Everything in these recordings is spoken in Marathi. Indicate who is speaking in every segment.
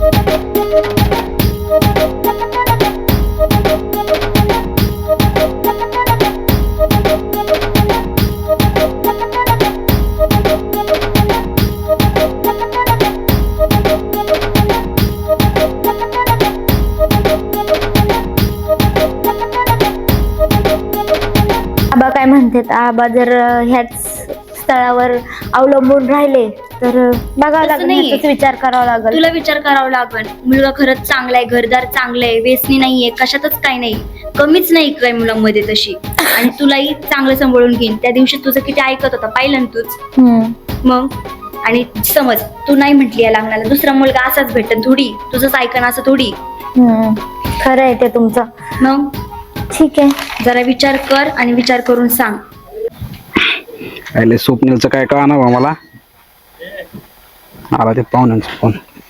Speaker 1: आबा काय म्हणतात, आबा जर ह्याच स्थळावर अवलंबून राहिले तर बघावं लागेल, ह्याचाच विचार करावा लागेल.
Speaker 2: तुला विचार करावा लागेल. मुलगा खरंच चांगला आहे, घरदार चांगलं आहे, व्यसनी नाहीये, कशातच काही नाही, कमीच नाही काय मुलांमध्ये तशी. आणि तुलाही चांगलं सांभाळून घेईन. त्या दिवशी तुझं किती ऐकत होता पाहिलं ना तूच. मग आणि समज तू नाही म्हटली या लग्नाला, दुसरा मुलगा असाच भेटत थोडी, तुझंच ऐकण असं थोडी.
Speaker 1: खरं आहे ते तुमचं.
Speaker 2: मग
Speaker 1: ठीक आहे,
Speaker 2: जरा विचार कर आणि विचार करून सांग.
Speaker 3: पहिले स्वप्नीलचं काय कळणार बा मला. आला ते पाहुण्यांचा फोन.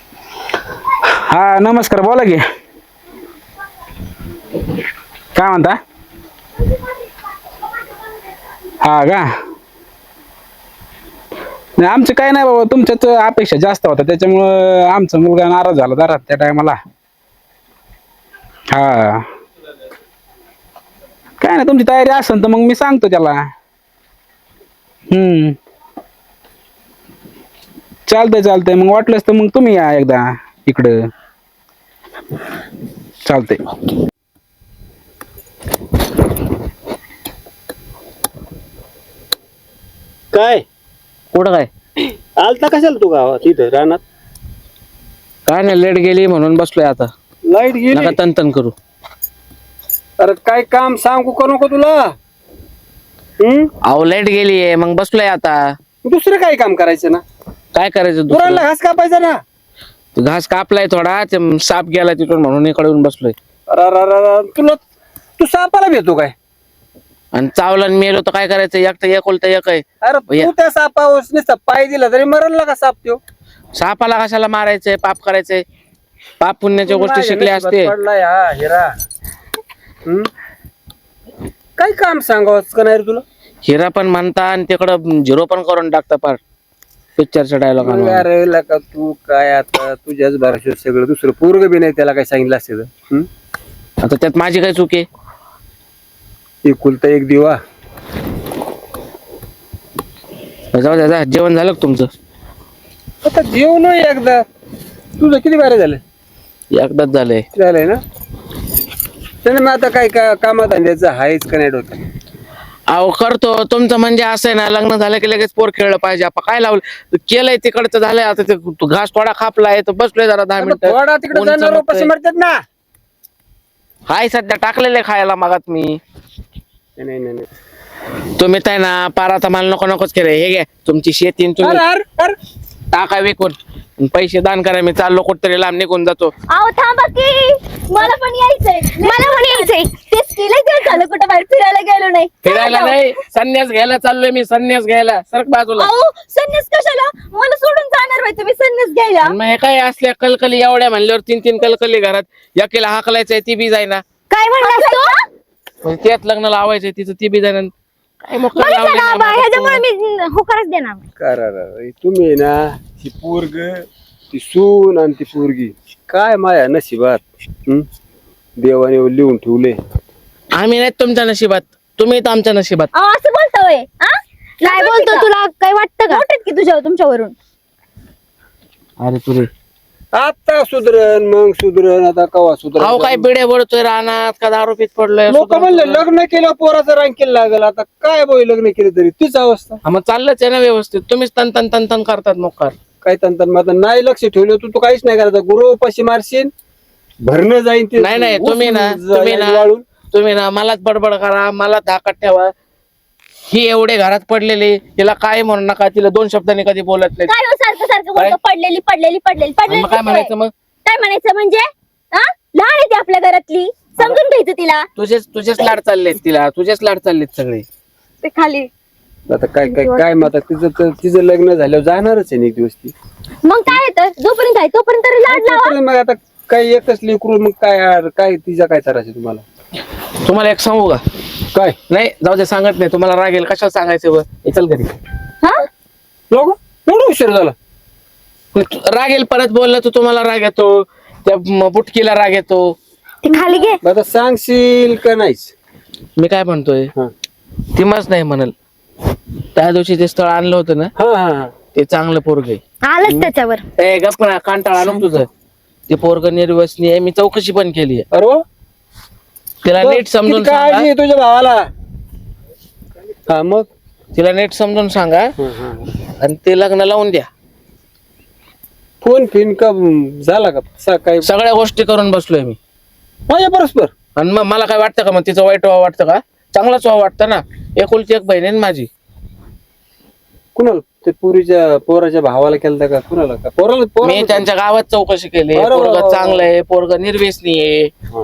Speaker 3: हा नमस्कार, बोला की. काय म्हणता? हा का? नाही आमचं काय नाही बाबा, तुमच्याच अपेक्षा जास्त होता त्याच्यामुळं आमचा मुलगा नाराज झाला जरा त्या टायमाला. हा काय नाही, तुमची तयारी असेल तर मग मी सांगतो त्याला. चालतंय मग वाटलंच तर मग तुम्ही या एकदा इकडं. चालतंय.
Speaker 4: काय
Speaker 5: कुठं काय
Speaker 4: आलता कशाला तू गावात इथं रानात?
Speaker 5: काय नाही, लेट गेली म्हणून बसलोय आता.
Speaker 4: लाईट गेली?
Speaker 5: नका तन करू.
Speaker 4: अरे काय काम सांगू का नको तुला?
Speaker 5: अहो लाईट गेलीये मग बसलोय आता.
Speaker 4: दुसरं काय काम करायचं ना?
Speaker 5: काय करायचं
Speaker 4: पुराला
Speaker 5: दुसरं?
Speaker 4: घास कापायचा ना.
Speaker 5: घास कापलाय थोडा, ते साप गेला तिथून म्हणून इकडे येऊन बसलोय.
Speaker 4: तुला तू सापाला भेटतो काय?
Speaker 5: आणि चावला आणि मेलो तर काय करायचं? एकटा एकोलता एक आहे.
Speaker 4: अरे
Speaker 5: भैया.
Speaker 4: तू त्या सापावर नुसता पाय दिला तरी मरण का साप त्यो?
Speaker 5: सापाला कशाला मारायचंय? पाप करायचंय? पाप पुण्याच्या गोष्टी शिकल्या असते.
Speaker 4: पडलाय हा हिरा. काय काम सांगावंच का नाही रे तुला?
Speaker 5: हिरा पण म्हणता आणि तिकडं झिरो पण करून टाकता पार पिक्चरचा डायलॉग.
Speaker 4: अरे का तू काय आता तुझ्याच भरोश्यावर सगळं, दुसरं पोरग बी नाही त्याला काय सांगितलं असते तर.
Speaker 5: आता त्यात माझी काय चूक आहे?
Speaker 4: एकुलता एक दिवा.
Speaker 5: जाऊ द्या, जेवण झालं का तुमचं?
Speaker 4: आता जेवण एकदा. तुझं किती बारे झालं?
Speaker 5: एकदाच झालंय.
Speaker 4: झालंय ना. त्याने मग आता काय कामात धंद्याचं आहेच का नाही डोक्यात?
Speaker 5: अहो करतो तुमचं म्हणजे असं आहे ना, लग्न झालं की लगेच पोर खेळलं पाहिजे. आपण काय लावलं केलंय तिकडचं झालंय. आता ते घास थोडा कापलाय तर बसलोय जरा 10 मिनिटं.
Speaker 4: थोडा तिकडे जाणार पैसे मरतात ना.
Speaker 5: हाय सध्या टाकलेलं आहे खायला मागात मी.
Speaker 4: नाही.
Speaker 5: तुम्ही काय ना पार आता मला नकोच केलं. हे घ्या तुमची शेती, तुम्ही टाका विकून, पैसे दान करा. मी चाललो कुठतरी लांब निघून जातो.
Speaker 1: अहो थांबा की, मला पण यायचंय. तेच केलंय ते झालं, कुठं बाहेर फिरायला गेलो नाही.
Speaker 5: फिरायला नाही, संन्यास घ्यायला चाललोय मी. संन्यास घ्यायला. सरक बाजूला.
Speaker 1: अहो संन्यास कशाला? मला सोडून जाणार बाई तुम्ही संन्यास घ्यायला?
Speaker 5: आणि मग हे काय असल्या कलकली एवढ्या म्हणल्यावर 3 कलकली घरात. एकीला हाकलायचंय ती बी जाईना.
Speaker 1: काय म्हणलास तू?
Speaker 5: त्यात लग्न लावायचंय तिचं, ती बी जाईना. काय मग काय लावलंय ना माझं
Speaker 1: ह्याच्यामुळे मी होकारच देणार.
Speaker 4: करा तुम्ही ना ती पोरग, ती सून आणि ती पोरगी काय माया नशिबात. देवाने लिहून ठेवले.
Speaker 5: आम्ही नाही तुमच्या नशिबात, तुम्ही तर आमच्या नशिबात.
Speaker 1: अहो असं बोलतोय? काय बोलतो? तुला काय वाटतं का की तुमच्यावरून?
Speaker 5: अरे तुरे
Speaker 4: आता सुधरण मग सुधरण. आता कवा
Speaker 5: अहो
Speaker 4: सुधरण?
Speaker 5: काय बिड्या बडतोय रानात का दारू पीत पडलोय?
Speaker 4: लोक म्हणले लग्न केलं पोराचं रांकेल लागल. आता काय बोय लग्न केलं तरी तीच अवस्था.
Speaker 5: मग चाललंच आहे ना व्यवस्थित. तुम्हीच तन करतात मोकार.
Speaker 4: काय तंत्र मग आता नाही लक्ष ठेवलं तू काहीच नाही करायचं. गुरु उपाशी मारशील, भरणं जाईन ते.
Speaker 5: नाही तुम्ही ना मलाच बडबड करा, मला धाकात ठेवा. ही एवढे घरात पडलेली, तिला काय म्हणू नका. तिला 2 शब्दांनी कधी बोलत नाही.
Speaker 1: काय सारखं बोलतो? पडलेली
Speaker 5: मग काय म्हणायचं? मग
Speaker 1: काय म्हणायचं म्हणजे? लहान आहे ती आपल्या घरातली, समजून घ्यायचं तिला.
Speaker 5: तुझेच लाड चाललेत तिला, तुझेच लाड चाललेत सगळे.
Speaker 1: ते खाली
Speaker 4: आता काय मग आता तिचं लग्न झाल्यावर जाणारच आहे ना एक दिवस ती.
Speaker 1: मग काय तर जोपर्यंत आहे तोपर्यंत लाड लावा.
Speaker 4: मग आता काय एकच लेकरू मग काय तिचा काय त्रास आहे तुम्हाला?
Speaker 5: तुम्हाला एक सांगू का?
Speaker 4: काय
Speaker 5: नाही जाऊ दे, सांगत नाही. तुम्हाला रागेल कशाला सांगायचं? चल घरी.
Speaker 4: लोक एवढा उशीर झाला?
Speaker 5: रागेल परत बोललं तर तुम्हाला राग येतो, त्या बुटकीला राग येतो.
Speaker 1: ते खाली घे.
Speaker 4: आता सांगशील का नाहीच?
Speaker 5: मी काय म्हणतोय,
Speaker 4: हा
Speaker 5: ती मच नाही म्हणल. त्या दिवशी ते स्थळ आणलं होतं ना,
Speaker 4: हा हा.
Speaker 5: ते चांगलं पोरग आहे.
Speaker 1: आलंच त्याच्यावर.
Speaker 5: ए गप्प ना, कांटाळा आलं तुझं. ते पोरग निर्वसनीय आहे, मी चौकशी पण केली आहे.
Speaker 4: अरे वा.
Speaker 5: तिला नीट समजून
Speaker 4: किती काळजी
Speaker 5: सांगा,
Speaker 4: आहे तुझ्या भावाला. हा मग
Speaker 5: तिला नीट समजून सांगा
Speaker 4: हा, हा.
Speaker 5: आणि ते लग्न लावून द्या.
Speaker 4: फोन फिन का झाला का सकाळी
Speaker 5: सगळ्या गोष्टी करून बसलोय मी.
Speaker 4: माझ्या परस्पर?
Speaker 5: आणि मग मला काय वाटतं का, मग तिचं वाईट व्हावं वाटतं का? चांगलाच व्हावं वाटतं ना. एकुलती एक बहीण आहे ना माझी.
Speaker 4: कुणाला ते पुरीच्या पोराच्या भावाला केलता का कुणाला का पोराला
Speaker 5: मी त्यांच्या गावात चौकशी केली.
Speaker 4: अरे वा,
Speaker 5: पोरग
Speaker 4: वा, वा.
Speaker 5: चांगलं आहे, पोरग निर्व्यसनी आहे.
Speaker 4: हा.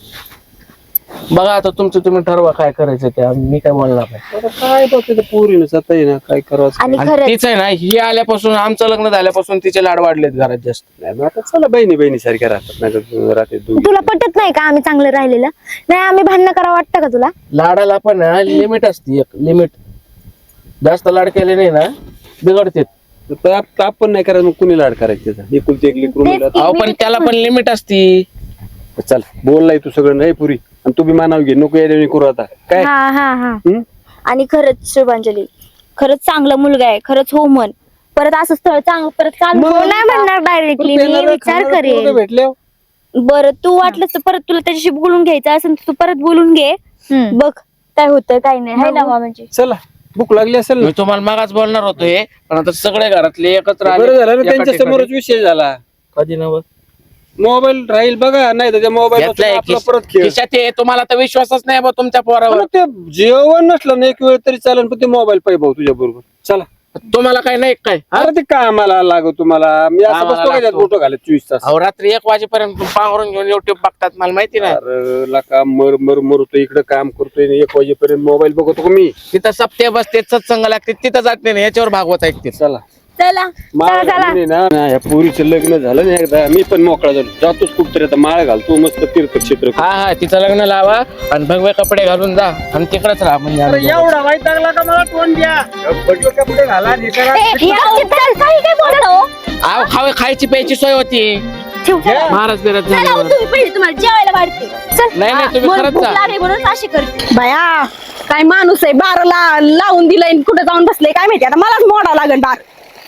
Speaker 5: बघा आता तुमचं तुम्ही ठरवा काय करायचं ते, मी काय बोलणार नाही.
Speaker 4: आता काय बघ तिथं पोरीनं जाता ना काय करावं.
Speaker 1: आणि
Speaker 5: आणि
Speaker 1: खरंच
Speaker 5: तीच आहे ना, ही आल्यापासून, आमचं लग्न झाल्यापासून तिचे लाड वाढलेत घरात जास्त.
Speaker 4: नाही मग आता चला बहिणी सारख्या राहतात नाही तर राहते दोघी.
Speaker 1: तुला पटत नाही का आम्ही चांगलं राहिलेलं? नाही आम्ही भांडणं करावं वाटतं का तुला?
Speaker 5: लाडाला पण लिमिट असते, एक लिमिट. जास्त लाड केले नाही ना बिघडते.
Speaker 4: ताप पण नाही करायचं, मग कुणी लाड करायचं त्याचा? एकुलती एक लेकरू
Speaker 1: तेच
Speaker 4: मुलं.
Speaker 1: की.
Speaker 5: अहो पण त्याला पण लिमिट असती.
Speaker 4: चल बोललाय तू सगळं नाही पुरी, आणि तू बी मानाव घे, नको येणे करू आता काय.
Speaker 1: हा हा हा.
Speaker 4: हं?
Speaker 2: आणि खरंच शुभांजली, खरंच चांगला मुलगा आहे, खरंच हो म्हण. परत असं स्थळ चांगलं परत चालू
Speaker 1: हो नाही म्हणणार डायरेक्टली, मी विचार करेन.
Speaker 4: भेटले
Speaker 2: बरं तू वाटलंस तर परत तुला त्याच्याशी बोलून घ्यायचं असेल तर तू परत बोलून घे.
Speaker 1: हम्म.
Speaker 2: बघ काय होतं काय नाही, है ना मामाजी?
Speaker 4: चला भूक लागली असेल ना.
Speaker 5: मी तुम्हाला मागाच बोलणार होतो हे, पण आता सगळे घरातले एकत्र आले.
Speaker 4: बरं झालं ना,
Speaker 5: एका
Speaker 4: त्यांच्या
Speaker 5: ठिकाणी.
Speaker 4: समोरच विषय झाला.
Speaker 5: कधी नव
Speaker 4: मोबाईल राहील बघा, नाही तर त्या मोबाईल
Speaker 5: घेतलाय
Speaker 4: आपला परत खेळ.
Speaker 5: खिशात आहे, तुम्हाला तर विश्वासच नाही बा तुमच्या पोरावर.
Speaker 4: पण ते जेवण नसलं ना एक वेळ तरी चालेल, पण ते मोबाईल पाहिजे भाऊ तुझ्या बरोबर. चला
Speaker 5: तुम्हाला काय नाही काय हा?
Speaker 4: अरे ते कामाला लागो तुम्हाला. मी असं
Speaker 5: कामाला
Speaker 4: बसतो का त्यात
Speaker 5: लागतो.
Speaker 4: फोटो घालत 24 तास.
Speaker 5: अहो रात्री 1 वाजेपर्यंत पांघरून घेऊन युट्यूब बघतात, मला माहिती नाही.
Speaker 4: अरे लका मरतोय इकडे काम करतोय 1 वाजेपर्यंत मोबाईल बघतो का मी.
Speaker 5: तिथं सप्ते बसते, सत्संग लागते, तिथं जात नाही, याच्यावर भागवत ऐकते.
Speaker 4: चला
Speaker 2: चला
Speaker 4: माळ घालून आहे ना, या पोरीचं लग्न झालं ना एकदा, मी पण मोकळा झालो, जातोच कुठतरी आता माळ घालतो मस्त तीर्थक्षेत्र.
Speaker 5: हा हा, तिचं लग्न लावा आणि भगवे कपडे घालून जा आणि तिकडेच राहा. म्हणजे आम्ही जाऊ.
Speaker 4: एवढा वाईट लागला का मला तोंड द्या. कपडे घाला हे करा.
Speaker 1: काही काय बोलतो?
Speaker 5: अहो, खायची प्यायची सोय होती.
Speaker 1: ठेव.
Speaker 5: महाराज बिराज
Speaker 2: चला हो,
Speaker 5: झाल्यावर.
Speaker 2: तुम्ही पहिले तुम्हाला जेवायला वाढते.
Speaker 5: नाही नाही, तुम्ही
Speaker 2: मला
Speaker 5: खरंच
Speaker 2: भूक
Speaker 5: जा.
Speaker 2: लागली म्हणून अशी करते.
Speaker 6: बाया काय माणूस आहे, बाराला लावून दिलंय, कुठे जाऊन बसले काय माहिती. आता मलाच मोडा लागेल बार.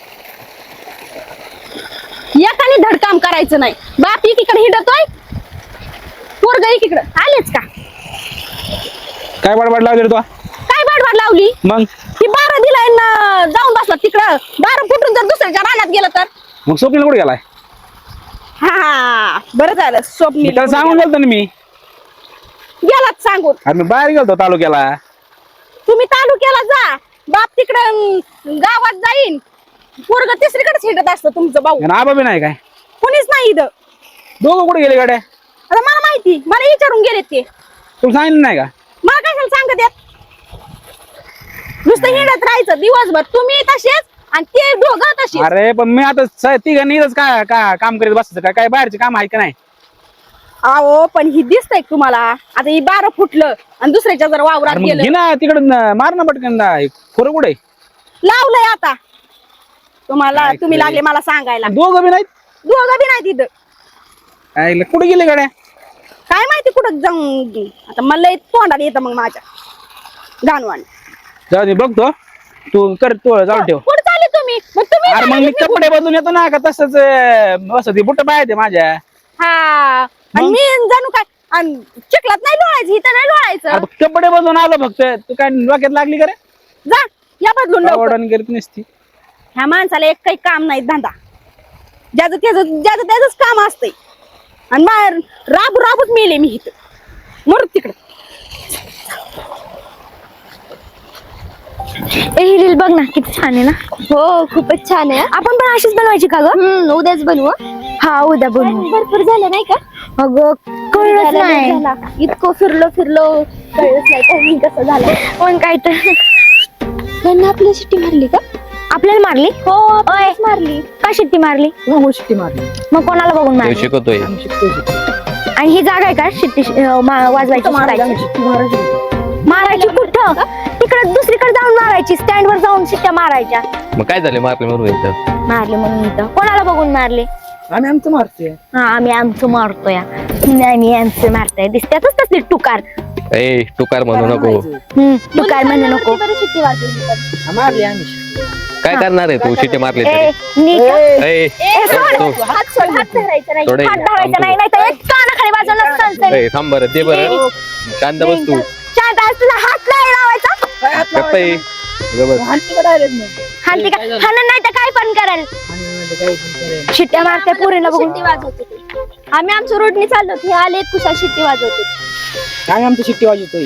Speaker 6: एकाने धडकाम करायचं नाही. बाप एकीकडे हिंडतोय, पोरग एकीकडे. आलेच का
Speaker 3: काय बडबड लावली रे तू?
Speaker 6: काय बडबड लावली?
Speaker 3: मग
Speaker 6: ही बारा दिलाय ना, जाऊन बसला तिकडं. बारा फुटून जर दुसऱ्याच्या रानात गेलं तर.
Speaker 3: मग स्वप्नील कुठे गेलाय?
Speaker 6: हा बरं झालं, स्वप्नील
Speaker 3: त्याला सांगून गेलतो ना मी.
Speaker 6: गेलात सांगून.
Speaker 3: अरे मी बाहेर गेलतो तालुक्याला.
Speaker 6: तुम्ही तालुक्याला जा, बाप तिकडं गावात जाईन. पोरग तिसरीकडेच हिंडत असतं तुमचं भाऊ.
Speaker 3: आणि आबा बी नाही काय?
Speaker 6: कोणीच नाही इथं.
Speaker 3: दोघं कुठे गेले गाड्या?
Speaker 6: आता मला माहिती, मला विचारून गेलेत ते.
Speaker 3: तुला सांगितलं नाही का?
Speaker 6: मला कशाला सांगत येत? नुसतं हिंडत राहायचं दिवसभर. तुम्ही तसेच आणि ते दोघं तसे.
Speaker 3: अरे पण मी आता तिघांनी इथंच का काम करीत बसायचं का? काय बाहेरचे काम आहे का नाही?
Speaker 6: अहो पण ही दिसतंय का तुम्हाला? आता ही 12 फुटलं आणि दुसऱ्याच्या जर वावरात
Speaker 3: अरे मग
Speaker 6: गेलं.
Speaker 3: घे ना तिकडं, मार ना पटकन. खोरं कुठे?
Speaker 6: लावलंय आता तुम्हाला.
Speaker 3: काय
Speaker 6: तुम्ही
Speaker 3: खरं.
Speaker 6: लागले मला सांगायला.
Speaker 3: दोघं बी नाहीत.
Speaker 6: दोघं बी नाही तिथं.
Speaker 3: काय कुठे गेले गाड्या?
Speaker 6: काय माहिती कुठं जाऊन. आता मला तोंडाला येतं मग माझ्या गाणवान.
Speaker 3: जाऊ दे बघतो. तू कर, तू जाऊ ठेव.
Speaker 6: कुठं चालले तुम्ही? मग तुम्ही
Speaker 3: अरे मग
Speaker 6: चालले
Speaker 3: मी
Speaker 6: निघून.
Speaker 3: कपडे बदलून येतो ना का तसंच बस ते बुट पाहिजे माझ्या.
Speaker 6: हा आणि
Speaker 3: मग?
Speaker 6: मी जणू काय आणि चिखलात नाही लोळायचं, इथं नाही लोळायचं.
Speaker 3: अरे कपडे बदलून आलो फक्त. तू काय डोक्यात लागली का रे?
Speaker 6: जा या बदलून लवकर.
Speaker 3: आवडून गेली नसती.
Speaker 6: ह्या माणसाला एक काही काम नाही, धंदा. ज्याचं त्याच काम असतंय. आणि मग राबूच मेले मी इथं. मरू तिकडं.
Speaker 1: ही रील बघ ना, किती छान आहे ना.
Speaker 2: हो खूपच छान आहे.
Speaker 1: आपण पण अशीच बनवायची का ग?
Speaker 2: उद्याच बनवू.
Speaker 1: हा उद्या बनवू.
Speaker 2: भरपूर झालं नाही का?
Speaker 1: अगं कळलंच
Speaker 2: झालं,
Speaker 1: नाही.
Speaker 2: झालं. इतकं फिरलो कळलंच नाही टायमिंग कसं झालं.
Speaker 1: पण काय तर
Speaker 2: त्यांना आपली शिट्टी मारली का?
Speaker 1: आपल्याला मारली?
Speaker 2: हो
Speaker 1: ओय.
Speaker 2: आपलीच मारली.
Speaker 1: का शिट्टी मारली?
Speaker 5: शिट्टी मारली.
Speaker 1: मग कोणाला बघून मारली?
Speaker 3: शिकवतोय.
Speaker 1: आणि ही जागा आहे का शिट्टी वाजवायची? शिकायची? मारायची कुठं? तिकडे दुसरीकडे जाऊन मारायची. लावायची, स्टँड वर जाऊन शिट्ट्या मारायच्या.
Speaker 7: मग काय झाले मारले म्हणून इथं?
Speaker 1: मारले म्हणून इथं कोणाला बघून मारले?
Speaker 5: आम्ही आमचं मारतोय.
Speaker 1: हा आम्ही आमचं मारतोय. आम्ही आमचं मारतोय. दिसत्यातच तसली टुकार.
Speaker 7: ए टुकार म्हणू नको.
Speaker 1: टुकार म्हणू नको.
Speaker 6: शिट्टी वाजवली.
Speaker 5: मारली आम्ही.
Speaker 7: काय करणार आहे तू शिट्टे मारले
Speaker 1: ए,
Speaker 7: तरी?
Speaker 1: नीट.
Speaker 7: ए,
Speaker 1: सोड.
Speaker 7: तू-
Speaker 6: हात सोड, हात धरायचा नाही.
Speaker 7: थोडं
Speaker 1: हात धरायचा नाही, नाही तर एक कानाखाली वाजवलं सनसन.
Speaker 7: ए, थांब बरं दे बरं. शांत बस तू.
Speaker 1: शांत आहेस, तुला हात नाही लावायचा.
Speaker 7: गप्प आहे. गबस.
Speaker 1: हाणती का? हाणन नाही तर काय पण करेल. शिट्ट्या मारते पोरीला बघून.
Speaker 6: शिट्टी वाजवते ते. आम्ही आमच्या रोडने चाललो हे आले कुशल शिट्टी वाजवते.
Speaker 5: आम्ही आमची शिट्टी वाजवतोय.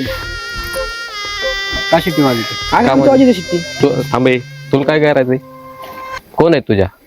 Speaker 3: का शिट्टी वाजवते?
Speaker 5: आम्ही
Speaker 7: का
Speaker 5: आमची
Speaker 7: म्हणते?
Speaker 5: वाजवतो शिट्टी.
Speaker 7: तू थांबे. तुला काय करायचंय? कोण आहे तुझ्या?